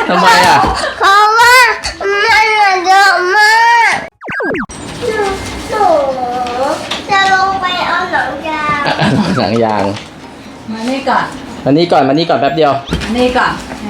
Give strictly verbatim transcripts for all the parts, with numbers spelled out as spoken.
ทำไมอ่ะเพราะว่ามันเยอะมากหนูจะลงไปเอาหนังยางหนังยางมานี่ก่อนมานี่ก่อนมานี่ก่อนแป๊บเดียวมานี่ก่อน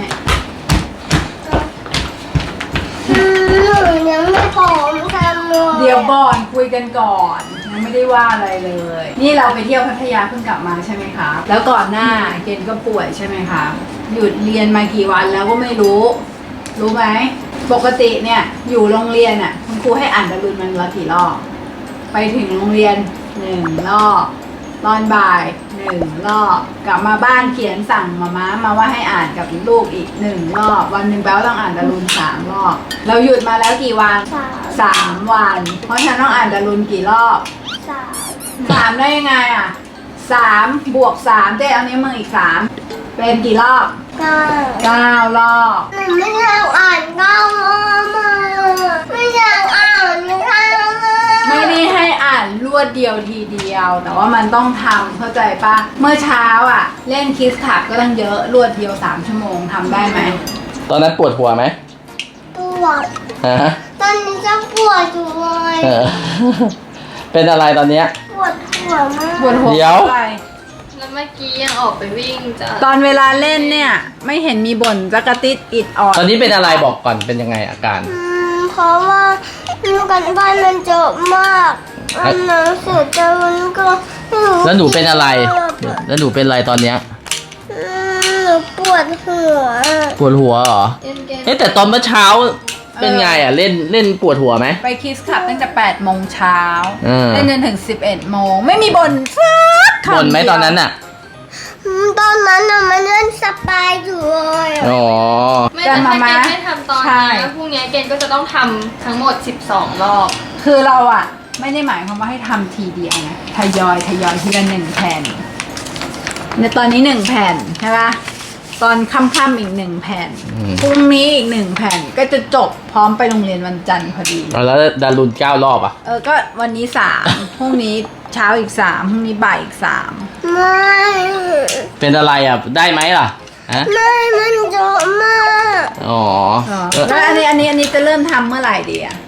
หนูยังไม่พร้อมทำเลยเดี๋ยวก่อนคุยกันก่อนยังไม่ได้ว่าอะไรเลย นี่เราไปเที่ยวพัทยาเพิ่งกลับมาใช่ไหมคะแล้วก่อนหน้าเกณฑ์ก็ป่วยใช่ไหมคะหยุดเรียนมากี่วันแล้วก็ไม่รู้รู้ไหมปกติเนี่ยอยู่โรงเรียนอ่ะคุณครูให้อ่านดารุณมันละกี่รอบไปถึงโรงเรียนหนึ่งรอบตอนบ่ายหนึ่งรอบกลับมาบ้านเขียนสั่งมาม้ามาว่าให้อ่านกับลูกอีกหนึ่งรอบวันหนึ่งแปลว่าต้องอ่านดารุณสามรอบเราหยุดมาแล้วกี่วันสามวันเพราะฉะนั้นต้องอ่านดารุณกี่รอบสามสามได้ยังไงอ่ะสามบวกสามเจ๊เอานิ้วมืออีกสามเป็นกี่รอบเก้าเก้ารอบหนูไม่อยากอ่านเก้ารอบมาไม่อยากอ่านเก้ารอบไม่ได้ให้อ่านรวดเดียวทีเดียวแต่ว่ามันต้องทำเข้าใจปะเมื่อเช้าอ่ะเล่นคิสคับก็ตั้งเยอะรวดเดียวสามชั่วโมงทำได้ไหมตอนนั้นปวดหัวไหมปวดฮะตอนนี้จะปวดอยู่เลยเป็นอะไรตอนเนี้ยปวดหัวมากปวดหัวเดี๋ยวแล้วเมื่อกี้ยังออกไปวิ่งจ้ะตอนเวลาเล่นเนี่ยไม่เห็นมีบ่นจักรติดอิดออดตอนนี้เป็นอะไรบอกก่อนเป็นยังไงอาการอืมเพราะว่าการบ้านมันเยอะมากอันหนังสือจะมันก็แล้วหนูเป็นอะไรแล้วหนูเป็นอะไรตอนเนี้ยหนูปวดหัวปวดหัวเหรอเอ๊ะแต่ตอนเมื่อเช้าเป็นไงอ่ะเล่นเล่นปวดหัวไหมไปคิสคับตั้งแต่แปดโมงเช้าเล่นจนถึงสิบเอ็ดโมงไม่มีบ่นสักคำบ่นไหมตอนนั้นอ่ะตอนนั้นน่ะมันเล่นสปายอยู่เลยอ๋อไม่แต่ถ้าเกณฑ์ไม่ทำตอนนี้พรุ่งนี้เกณฑ์ก็จะต้องทำทั้งหมดสิบสองรอบคือเราอ่ะไม่ได้หมายความว่าให้ทำทีเดียวนะทยอยทยอยทีละหนึ่งแผ่นในตอนนี้หนึ่งแผ่นใช่ปะตอนค่ำๆอีกหนึ่งแผ่นพรุ่งนี้อีกหนึ่งแผ่นก็จะจบพร้อมไปโรงเรียนวันจันทร์พอดีแล้วดารุณเก้ารอบอ่ะเออก็วันนี้สามพรุ่งนี้เช้าอีกสามพรุ่งนี้บ่ายอีกสามไม่เป็นอะไรอ่ะได้ไหมล่ะฮะไม่มันเยอะมากอ๋อแล้วอันนี้อันนี้อันนี้จะเริ่มทำเมื่อไหร่ดีอ่ะ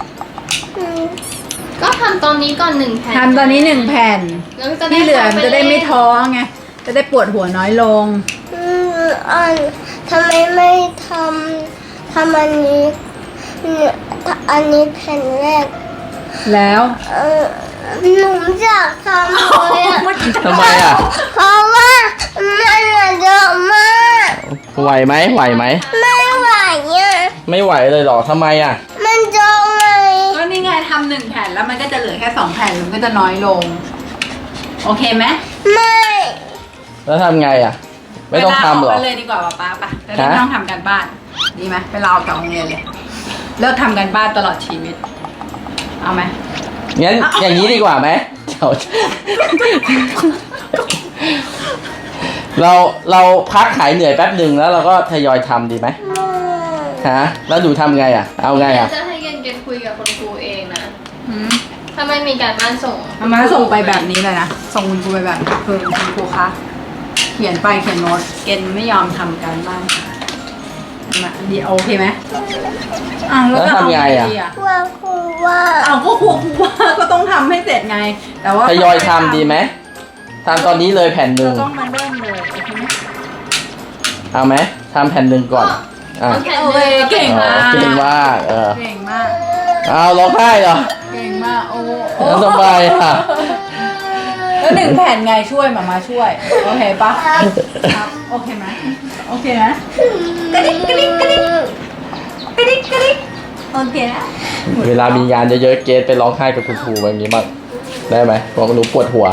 ก็ทำตอนนี้ก่อนหนึ่งแผ่นทำตอนนี้หนึ่งแผ่นที่เหลือมันจะได้ไม่ท้อไงจะได้ปวดหัวน้อยลงอันทำไมไม่ทำทำอันนี้อันนี้แผ่นแรกแล้วเออหนูอยากทำเลยอะทำไมอ่ะเพราะว่ามันเยอะมากไหวไหมไหวไหมไม่ไหวเนี่ยไม่ไหวเลยหรอทำไมอ่ะมันเยอะไงก็นี่ไงทำหนึ่งแผ่นแล้วมันก็จะเหลือแค่สองแผ่นมันก็จะน้อยลงโอเคไหมไม่แล้วทำไงอ่ะไม่ต้องทำหรอไปเลยดีกว่าป้าป่ะจะได้ไม่ต้องทำการบ้านดีไหมไปรอกับโรงเรียนเลยเลิกทำการบ้านตลอดชีวิตเอาไหมงั้นอย่างนี้ดีกว่าไหมเราเราพักหายเหนื่อยแป๊บหนึ่งแล้วเราก็ทยอยทำดีไหมฮะแล้วดูทำไงอ่ะเอาไงอ่ะจะให้เย็นเย็นคุยกับคุณครูเองนะถ้าไม่มีการบ้านส่งมาส่งไปแบบนี้เลยนะส่งคุณครูไปแบบคือคุณครูคะเขียนไปเขียนโน้ตเกณฑ์ไม่ยอมทำการบ้านมาดีโอเคไหมอ่ะแล้วทำไงอ่ะว่าครูว่าอ้าวก็ครูว่าก็ต้องทำให้เสร็จไงแต่ว่าทยอยทำดีไหมทำตอนนี้เลยแผ่นหนึ่งต้องมาเริ่มเลยโอเคไหมเอาไหมทำแผ่นหนึ่งก่อนอ่ะโอเคเก่งมากเก่งมากเออเก่งมากเอาร้องไห้เหรอเก่งมากโอ้แล้วสบายค่ะแล้วหนึ่งแผ่นไงช่วยมามาช่วยโอเคปะครับโอเคไหมโอเคนะกระดิกกระดิกกระดิกกระดิกกระดิกโอเคนะเวลามีงานเยอะๆเกสไปร้องไห้กับคุณครูแบบนี้บ้างได้ไหมบอกหนูปวดหัว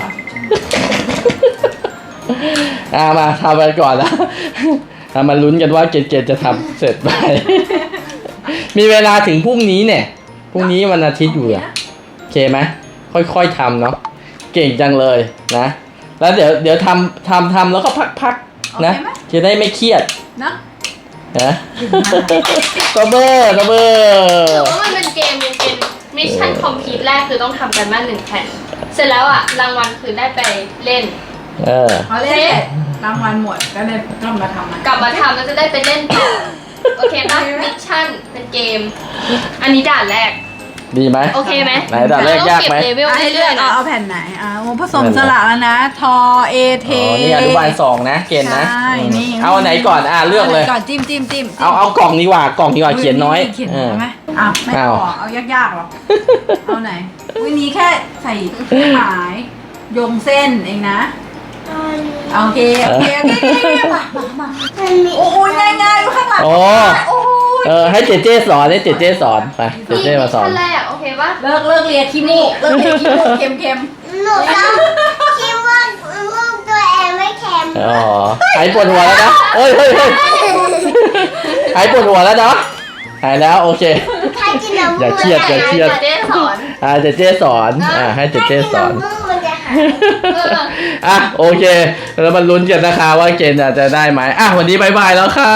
อ่ามาทำไปก่อนแล้วมาลุ้นกันว่าเกสเกสจะทำเสร็จไหมมีเวลาถึงพรุ่งนี้เนี่ยพรุ่งนี้วันอาทิตย์อยู่อะโอเคไหมค่อยๆทำเนาะเก่งจังเลยนะแล้วเดี๋ยวเดี๋ยวทำทำทำแล้วก็พักๆนะจะได้ไม่เครียดนะนะตัวเบอร์ตัวเบอร์ถือว่ามันเป็นเกมเป็นเกมมิชชั่นคอมพลีทแรกคือต้องทำกันบ้านหนึ่งแผ่นเสร็จแล้วอ่ะรางวัลคือได้ไปเล่นเออพอเล่นรางวัลหมดก็เลยต้องมาทำกลับมาทำแล้วจะได้ไปเล่นต่อโอเคป่ะมิชชั่นเป็นเกม อันนี้ด่านแรกดีไหมโอเคไหมไหนด่านแรกยากไหมเรต้องเก็บเลเวลให้เลืเรื่ออก ยๆเอานะเอาแผ่นไหนอ่าโอ้ผสมสละแล้วนะ ทอเอเทอ๋อนี่อนุบาลสองนะเกณฑ์นะใช่นี่เอาอันไหนก่อนอ่ะเลือกเลยก่อนจิ้มจิ้มจิ้มเอาเอากล่องดีกว่ากล่องดีกว่าเขียนน้อยเขียนเอน้ออยไหมอ้าวไม่เอาพอเอายากๆหรอเอาไหนวันนี้แค่ใส่เครื่องหมายโยงเส้นเองนะโอเคโอเคโอเคโอเคมามามามันมีโอ้ยง่ายง่ายๆอยู่ข้างหลังโอ้โอ้ยเออให้เจเจสอนให้เจเจสอนไปเจเจมาสอนขั้นแรกโอเคป่ะเลิกเลิกเรียนขี้มูกเลิกเรียนขี้มูกเค็มเค็มหนูต้องคิดว่าลูกตัวเองไม่เค็มอ๋อหายปวดหัวแล้วนะเฮ้ยเฮ้ยเฮ้ยหายปวดหัวแล้วเนาะหายแล้วโอเคถ้ากินน้ำอย่าเครียดอย่าเครียดเจ๊สอนอ่าเจเจสอนอ่าให้เจถ้าเจกินสอนน้ำมูกมันจะหายเอออ่ะโอเคแล้วมาลุ้นกันนะคะว่าเกณฑ์จะได้ไหมอ่ะวันนี้บายบายแล้วค่ะ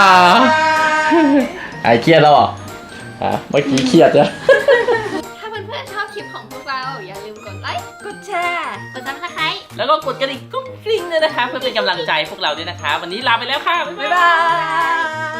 หายเครียดแล้วเหรออ่ะเมื่อกี้เครียดนะถ้าเพื่อนๆชอบคลิปของพวกเรา อย่าลืมกดไลค์กดแชร์กดซับสไครต์แล้วก็กดกระดิ่งกุ้งกริ้งด้วยนะคะ เพื่อเป็นกำลังใจพวกเราด้วยนะคะ วันนี้ลาไปแล้วค่ะ บ๊ายบ๊ายบายบาย